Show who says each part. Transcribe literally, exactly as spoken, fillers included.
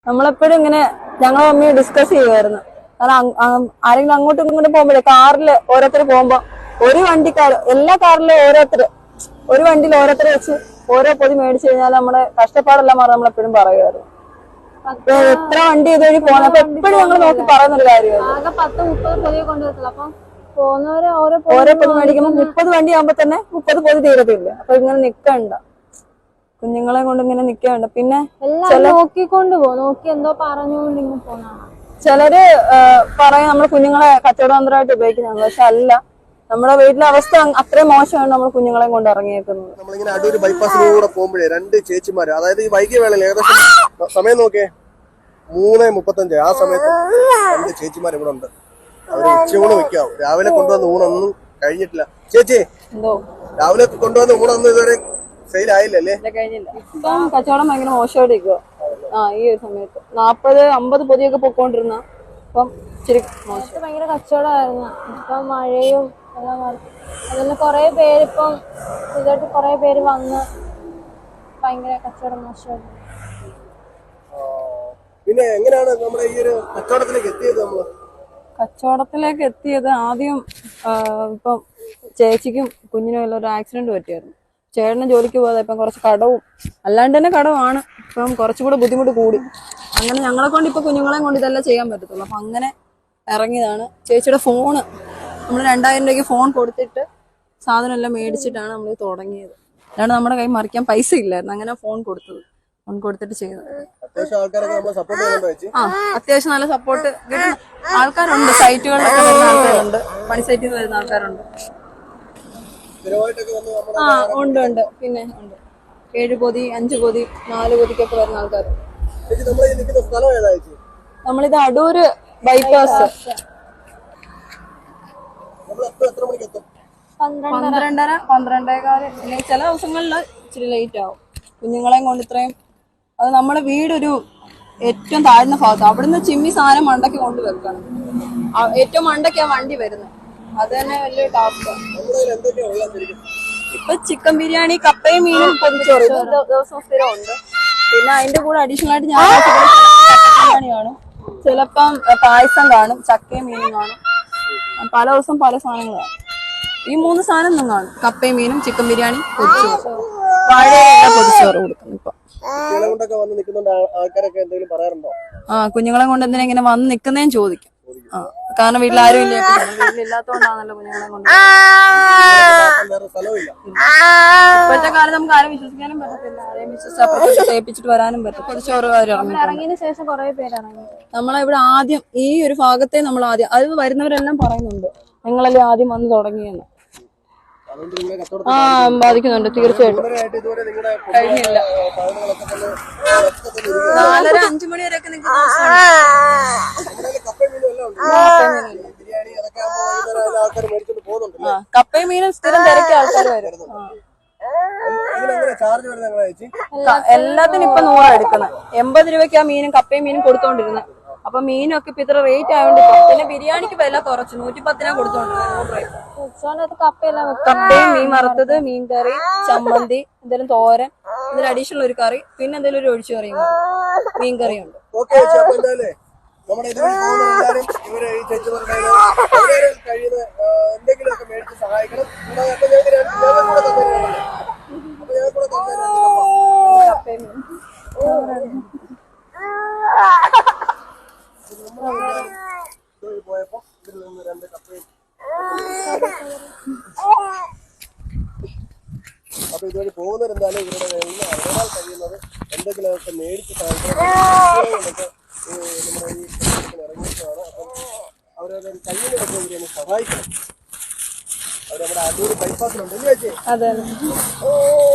Speaker 1: നമ്മളെപ്പോഴും ഇങ്ങനെ ഞങ്ങൾ അമ്മയെ ഡിസ്കസ് ചെയ്യുമായിരുന്നു. കാരണം ആരെങ്കിലും അങ്ങോട്ടും ഇങ്ങോട്ടും പോകുമ്പോഴേ കാറില് ഓരോരുത്തർ പോകുമ്പോ ഒരു വണ്ടിക്കാർ എല്ലാ കാറിലും ഓരോരുത്തർ ഒരു വണ്ടിയിൽ ഓരോരുത്തർ വെച്ച് ഓരോ പൊതി മേടിച്ചു കഴിഞ്ഞാൽ നമ്മുടെ കഷ്ടപ്പാടെല്ലാം മാറി നമ്മളെപ്പോഴും പറയുമായിരുന്നു. എത്ര വണ്ടി ഇതുവഴി പോകുന്നത് അപ്പൊ എപ്പോഴും ഞങ്ങൾ നോക്കി പറയുന്നൊരു കാര്യമാണ്. ഓരോ പൊതി മേടിക്കുമ്പോൾ മുപ്പത് വണ്ടി ആകുമ്പോ തന്നെ മുപ്പത് പൊതി തീരത്തില്ല. അപ്പൊ ഇങ്ങനെ നിക്കണ്ട, കുഞ്ഞുങ്ങളെ കൊണ്ട് ഇങ്ങനെ നിക്കണ്ട. പിന്നെ
Speaker 2: നോക്കിക്കൊണ്ട് പോ നോക്കി എന്തോ പറഞ്ഞുകൊണ്ട് പോണ
Speaker 1: ചിലര് പറയും നമ്മൾ കുഞ്ഞുങ്ങളെ കച്ചവടതന്ത്രമായിട്ട് ഉപയോഗിക്കുന്നതാണ്. പക്ഷെ അല്ല, നമ്മുടെ വീട്ടിലെ അവസ്ഥ അത്രയും മോശമാണ് നമ്മൾ കുഞ്ഞുങ്ങളെ കൊണ്ട് ഇറങ്ങിയേക്കുന്നത്.
Speaker 3: നമ്മളിങ്ങനെ അടൂര് ബൈപ്പാസിലൂടെ പോകുമ്പോഴേ രണ്ട് ചേച്ചിമാര്, അതായത് ഈ വൈകിയ വേളയിൽ ഏകദേശം സമയം നോക്കിയേ മൂന്ന് മുപ്പത്തഞ്ച് ആ സമയത്ത് രണ്ട് ചേച്ചിമാർ ഇവിടെ ഉണ്ട്. അവര് ഉച്ചയൂണ് വെക്കാവും. രാവിലെ കൊണ്ടുവന്ന ഊണൊന്നും കഴിഞ്ഞിട്ടില്ല. ചേച്ചി രാവിലെ കൊണ്ടുവന്ന ഊണൊന്നും ഇതുവരെ സെയിൽ ആയില്ലല്ലേ?
Speaker 1: കഴിഞ്ഞില്ല. ഇപ്പം കച്ചവടം ഭയങ്കര മോശമായിട്ട് ഇരിക്കുക. ആ ഈ ഒരു സമയത്ത് നാപ്പത് അമ്പത് പൊതിയൊക്കെ പൊക്കോണ്ടിരുന്ന ഇപ്പം ഇച്ചിരി മോശം.
Speaker 2: ഭയങ്കര കച്ചവടമായിരുന്നു. ഇപ്പം മഴയും എല്ലാം അതിൽ കുറെ പേരിപ്പം ഇതായിട്ട് കുറെ പേര് വന്ന് ഭയങ്കര കച്ചവടം മോശമായിരുന്നു.
Speaker 3: പിന്നെ എങ്ങനെയാണ് നമ്മുടെ ഈ ഒരു കച്ചവടത്തിലേക്ക് എത്തിയത്? നമ്മള്
Speaker 1: കച്ചവടത്തിലേക്ക് എത്തിയത് ആദ്യം ഇപ്പം ചേച്ചിക്കും കുഞ്ഞിനും എല്ലാം ഒരു ആക്സിഡന്റ് പറ്റിയായിരുന്നു. ചേട്ടന് ജോലിക്ക് പോകാതെ ഇപ്പം കുറച്ച് കടവും അല്ലാണ്ട് തന്നെ കടമാണ്. ഇപ്പം കുറച്ചുകൂടെ ബുദ്ധിമുട്ട് കൂടി. അങ്ങനെ ഞങ്ങളെ കൊണ്ട് ഇപ്പൊ കുഞ്ഞുങ്ങളെ കൊണ്ട് ഇതെല്ലാം ചെയ്യാൻ പറ്റത്തുള്ളൂ. അപ്പൊ അങ്ങനെ ഇറങ്ങിയതാണ്. ചേച്ചിയുടെ ഫോണ് നമ്മൾ രണ്ടായിരം രൂപയ്ക്ക് ഫോൺ കൊടുത്തിട്ട് സാധനം എല്ലാം മേടിച്ചിട്ടാണ് നമ്മൾ തുടങ്ങിയത്. അല്ലാണ്ട് നമ്മുടെ കൈ മറിക്കാൻ പൈസ ഇല്ലായിരുന്നു. അങ്ങനെ ഫോൺ കൊടുത്തത് ഫോൺ കൊടുത്തിട്ട് ചെയ്തത്. ആ അത്യാവശ്യം നല്ല സപ്പോർട്ട് കിട്ടുന്ന ആൾക്കാരുണ്ട്. സൈറ്റുകളിലൊക്കെ വരുന്ന ആൾക്കാരുണ്ട്, പണി സൈറ്റിൽ നിന്ന് വരുന്ന ആൾക്കാരുണ്ട്. ആ ഉണ്ട് ഉണ്ട് പിന്നെ ഉണ്ട്. ഏഴ് പൊതി അഞ്ചു പൊതി നാല് പൊതിക്കൊക്കെ വരുന്ന ആൾക്കാരുണ്ട്. നമ്മളിത് അടൂര് ബൈപ്പാസ്. പന്ത്രണ്ടര പന്ത്രണ്ടേകാല്. പിന്നെ ചില ദിവസങ്ങളിൽ ഇച്ചിരി ലേറ്റ് ആവും കുഞ്ഞുങ്ങളെയും കൊണ്ട്. ഇത്രയും അത് നമ്മുടെ വീടൊരു ഏറ്റവും താഴ്ന്ന ഭാഗത്ത്. അവിടുന്ന് ചിമ്മി സാധനം മണ്ടയ്ക്ക് കൊണ്ട് വെക്കണം. ഏറ്റവും മണ്ടയ്ക്കാ വണ്ടി വരുന്നത്. അത് തന്നെ വലിയ ടാസ്ക്കാണ്. ഇപ്പൊ ചിക്കൻ ബിരിയാണി, കപ്പയും മീനും പൊതിച്ചോറ് ഇത് ദിവസം സ്ഥിരം ഉണ്ട്. പിന്നെ അതിന്റെ കൂടെ അഡീഷണൽ ആയിട്ട് ഞാൻ ബിരിയാണി കാണും, ചിലപ്പം പായസം കാണും, ചക്കയും മീനും കാണും. പല ദിവസം പല സാധനങ്ങളാണ്. ഈ മൂന്ന് സാധനം ഒന്നും കാണും. കപ്പയും മീനും, ചിക്കൻ ബിരിയാണി, പൊതിച്ചോറ്. വാഴയില പൊതിച്ചോറ് കൊടുക്കുന്നു ഇപ്പൊ. ആ കുഞ്ഞുങ്ങളെ കൊണ്ട് എന്തിനാ ഇങ്ങനെ വന്ന് നിക്കുന്നേന്ന് ചോദിക്കും. ആ കാരണം വീട്ടിലാരും ഇല്ല. വീട്ടിലില്ലാത്തോണ്ടാണല്ലോ കുഞ്ഞുങ്ങളെ കൊണ്ട്. ഇപ്പോഴത്തെ കാലം നമുക്ക് ആരും വിശ്വസിക്കാനും പറ്റത്തില്ല. ആരെയും വിശ്വസിച്ച് ഏൽപ്പിച്ചിട്ട് വരാനും പറ്റും. പൊതിച്ചോറ്
Speaker 2: ഇറങ്ങിയതിനു ശേഷം കുറെ പേര് ഇറങ്ങി.
Speaker 1: നമ്മളെവിടെ ആദ്യം ഈ ഒരു ഭാഗത്തെ നമ്മൾ ആദ്യം അത് വരുന്നവരെല്ലാം പറയുന്നുണ്ട് നിങ്ങളല്ലേ ആദ്യം വന്ന് തുടങ്ങിയെന്ന്. ആ ബാധിക്കുന്നുണ്ട് തീർച്ചയായിട്ടും. കഴിഞ്ഞില്ല. നാലര അഞ്ചു മണി വരെയൊക്കെ നിൽക്കുന്ന കപ്പയും മീനും സ്ഥിരം തിരക്കിയ ആൾക്കാർ വരും. എല്ലാത്തിനും ഇപ്പൊ നൂറാ എടുക്കുന്നത്. എൺപത് രൂപയ്ക്ക് ആ മീനും കപ്പയും മീനും കൊടുത്തോണ്ടിരുന്നത്. അപ്പൊ മീനും ഒക്കെ ഇപ്പൊ ഇത്ര റേറ്റ് ആയതുകൊണ്ട് പിന്നെ ബിരിയാണിക്ക് വില കുറച്ചു. നൂറ്റി പത്തിനാ കൊടുത്തോണ്ടിരുന്നത്. കപ്പയും മീൻ വറുത്തത്, മീൻ കറി, ചമ്മന്തി, എന്തെങ്കിലും തോരൻ, ഇതിന് അഡീഷണൽ ഒരു കറി, പിന്നെ എന്തെങ്കിലും ഒരു ഒഴിച്ചു കറിയും മീൻ കറിയുണ്ട്.
Speaker 3: നമ്മുടെ ഇതുവഴി പോകുന്നവരെല്ലാരും ഇവരെ ഈ ചേച്ചിമാരുടെ കഴിയുന്ന എന്തെങ്കിലുമൊക്കെ മേടിച്ച് സഹായിക്കണം. അപ്പൊ ഞങ്ങൾക്ക് ഞങ്ങൾ കൂടെ തന്നിരുന്നു. അപ്പൊ ഞങ്ങൾ കൂടെ തന്നിരുന്നു. പോയപ്പോ ഇതിൽ നിന്ന് രണ്ട് കപ്പയും. അപ്പൊ ഇതുവഴി പോകുന്നവരെന്തായാലും ഇവരുടെ അവരാൽ കഴിയുന്നത് എന്തെങ്കിലുമൊക്കെ മേടിച്ച് സഹായിക്കണം. നമ്മുടെ ഈ ഇറങ്ങിയിട്ടാണ്. അപ്പം അവരവരുടെ കഴിയുന്നതൊക്കെ ഇവരെ സഹായിക്കണം. അവർ നമ്മുടെ അടൂർ ബൈപ്പാസിലുണ്ട്.
Speaker 1: അതെ.